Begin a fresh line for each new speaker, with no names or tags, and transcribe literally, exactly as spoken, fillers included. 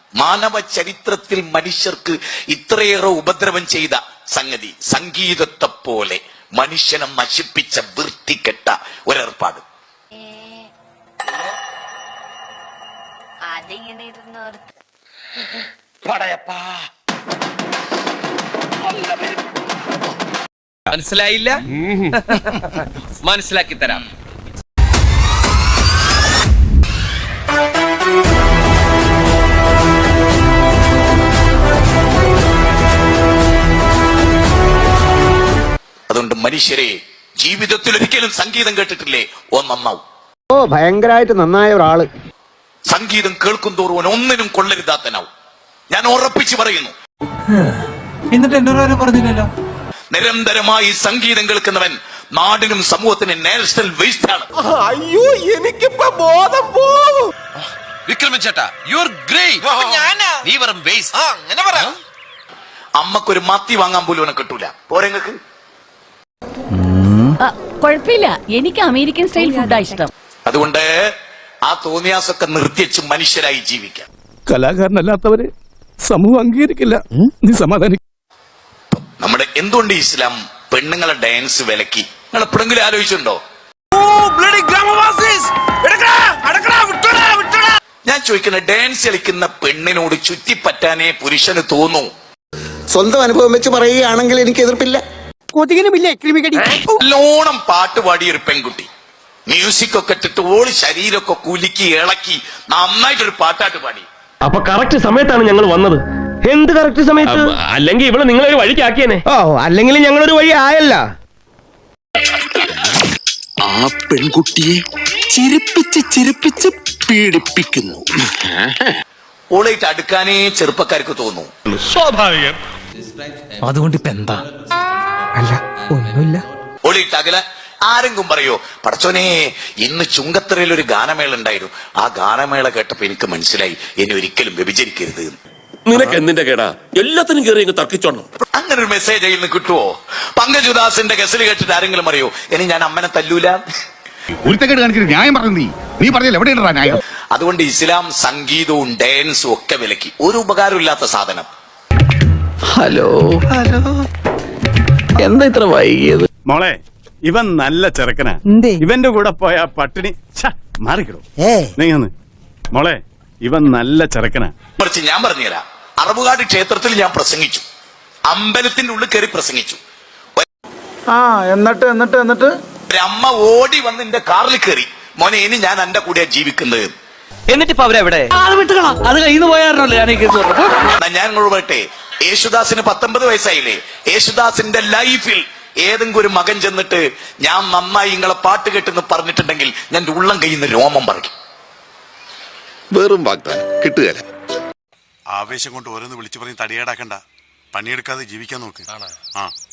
മാനവ ചരിത്രത്തിൽ മനുഷ്യർക്ക് ഇത്രയേറെ ഉപദ്രവം ചെയ്ത സംഗതി സംഗീതത്തെ പോലെ മനുഷ്യനെ നശിപ്പിച്ച വൃത്തികെട്ട ഒരേർപ്പാട്.
മനസ്സിലായില്ല? മനസ്സിലാക്കി തരാം.
അതുകൊണ്ട് മനുഷ്യരെ ജീവിതത്തിൽ ഒരിക്കലും സംഗീതം കേട്ടിട്ടില്ലേ? ഓ നന്നാവും.
ഓ ഭയങ്കരമായിട്ട് നന്നായ ഒരാള്.
സംഗീതം കേൾക്കും തോറും ഒന്നിനും കൊള്ളരുതാത്തനാവും. ഞാൻ ഉറപ്പിച്ചു പറയുന്നു.
എന്നിട്ട് എന്നോട് പറഞ്ഞില്ലല്ലോ.
നിരന്തരമായി സംഗീതം കേൾക്കുന്നവൻ നാടിനും സമൂഹത്തിനും നാഷണൽ വേസ്റ്റ് ആണ്.
അയ്യോ എനിക്കിപ്പോ ബോധം പോകും.
വിക്രമൻ ചേട്ടാ, യു ആർ ഗ്രേറ്റ്. നീ വെറും വേസ്റ്റ്. അങ്ങനെ പറ.
അമ്മക്കൊരു മത്തി വാങ്ങാൻ പോലും അവനെ കിട്ടൂല. പോരെങ്ങൾക്ക്
കുഴപ്പമില്ല, എനിക്ക് അമേരിക്കൻ സ്റ്റൈൽ ഫുഡാ ഇഷ്ടം.
അതുകൊണ്ട് ആ തോന്നിയാസൊക്കെ നിർത്തിച്ച് മനുഷ്യരായി ജീവിക്കാം.
കലാകാരനല്ലാത്തവരെ സമൂഹം അംഗീകരിക്കില്ല. നീ സമാധാനിക്കും.
നമ്മുടെ എന്തുകൊണ്ട് ഇസ്ലാം പെണ്ണുങ്ങളെ ഡാൻസ് വിലക്കി? നിങ്ങൾ എപ്പോഴെങ്കിലും ആലോചിച്ചിട്ടുണ്ടോ? ഞാൻ ചോദിക്കുന്ന, ഡാൻസ് കളിക്കുന്ന പെണ്ണിനോട് ചുറ്റിപ്പറ്റാനേ പുരുഷന് തോന്നൂ.
സ്വന്തം അനുഭവം വെച്ച് പറയുകയാണെങ്കിൽ എനിക്ക് എതിർപ്പില്ല.
നല്ലോണം പാട്ട് പാടിയ ഒരു പെൺകുട്ടി മ്യൂസിക് ഒക്കെ ഇട്ടിട്ട് ഓള് ശരീരമൊക്കെ കുലുക്കി ഇളക്കി നന്നായിട്ടൊരു പാട്ടാട്ട് പാടി.
അപ്പൊ കറക്റ്റ് സമയത്താണ് ഞങ്ങൾ വന്നത്. എന്ത് കറക്റ്റ് സമയത്ത്? അല്ലെങ്കിൽ ഇവിടെ നിങ്ങളൊരു വഴിക്കാക്കിയേനെ. ഓ, അല്ലെങ്കിൽ ഞങ്ങളൊരു വഴി ആയല്ല.
ആ പെൺകുട്ടിയെ ചിരിപ്പിച്ച് ചിരിപ്പിച്ച് പീഡിപ്പിക്കുന്നു.
ഓളായിട്ട് അടുക്കാനേ ചെറുപ്പക്കാർക്ക് തോന്നൂ.
സ്വാഭാവികം.
അതുകൊണ്ട് ഇപ്പൊ എന്താ? അല്ല ഒന്നുമില്ല.
ഓളിയിട്ട് അകല ആരെങ്കിലും പറയോ, പടച്ചോനെ ഇന്ന് ചുങ്കത്തറയിൽ ഒരു ഗാനമേള ഉണ്ടായിരുന്നു, ആ ഗാനമേള കേട്ടപ്പോ എനിക്ക് മനസ്സിലായി എന്നെ ഒരിക്കലും വ്യഭിചരിക്കരുത്.
നിനക്ക് എന്തിന്റെ കേടാ? എല്ലാത്തിനും കയറി തർക്കിച്ചോണം.
അങ്ങനെ ഒരു മെസ്സേജ് അതിൽ നിന്ന് കിട്ടുവോ? പങ്കജുദാസിന്റെ ഗസൽ കേട്ടിട്ട് ആരെങ്കിലും അറിയോ ഇനി ഞാൻ അമ്മനെ തല്ലൂല?
ന്യായം പറഞ്ഞു. നീ നീ പറഞ്ഞില്ല എവിടെയാണ് ന്യായം?
അതുകൊണ്ട് ഇസ്ലാം സംഗീതവും ഡാൻസും ഒക്കെ വിലക്കി. ഒരു ഉപകാരമില്ലാത്ത സാധനം.
ഹലോ ഹലോ, എന്താ ഇത്ര വൈകിയത്?
മോളെ, ഇവൻ നല്ല ചെറുക്കനാ. ഇവന്റെ കൂടെ പോയ പട്ടിണി മാറിക്കിടും. മോളെ, ഇവൻ നല്ല ചെറുക്കനാ.
മറിച്ച് ഞാൻ പറഞ്ഞുതരാം. അറബുകാട് ക്ഷേത്രത്തിൽ ഞാൻ പ്രസംഗിച്ചു, അമ്പലത്തിന്റെ ഉള്ളിൽ കയറി പ്രസംഗിച്ചു.
ആ എന്നിട്ട് എന്നിട്ട് എന്നിട്ട്
ഒരമ്മ ഓടി വന്ന് എന്റെ കാറിൽ കയറി, മോനെ ഇനി ഞാൻ എന്റെ കൂടെയാ ജീവിക്കുന്നത്.
എന്നിട്ട് ഇപ്പൊ അവരെവിടെ?
അത് കയ്യിൽ പോയാറല്ലേ
ഞാൻ നിങ്ങളോട് പറയട്ടെ, യേശുദാസിന് പത്തൊമ്പത് വയസ്സായില്ലേ? യേശുദാസിന്റെ ലൈഫിൽ ഏതെങ്കിലും ഒരു മകൻ ചെന്നിട്ട് ഞാൻ നന്നായി നിങ്ങളെ പാട്ട് കേട്ടെന്ന് പറഞ്ഞിട്ടുണ്ടെങ്കിൽ ഞാൻ ഉള്ളം കയ്യിൽ നിന്ന് രോമം പറിക്കും.
വെറും വാഗ്ദാനം കിട്ടുകയല്ല.
ആവേശം കൊണ്ട് ഓരോന്ന് വിളിച്ചു പറഞ്ഞ് തടിയേടാക്കണ്ട. പണിയെടുക്കാതെ ജീവിക്കാൻ നോക്ക്. ആ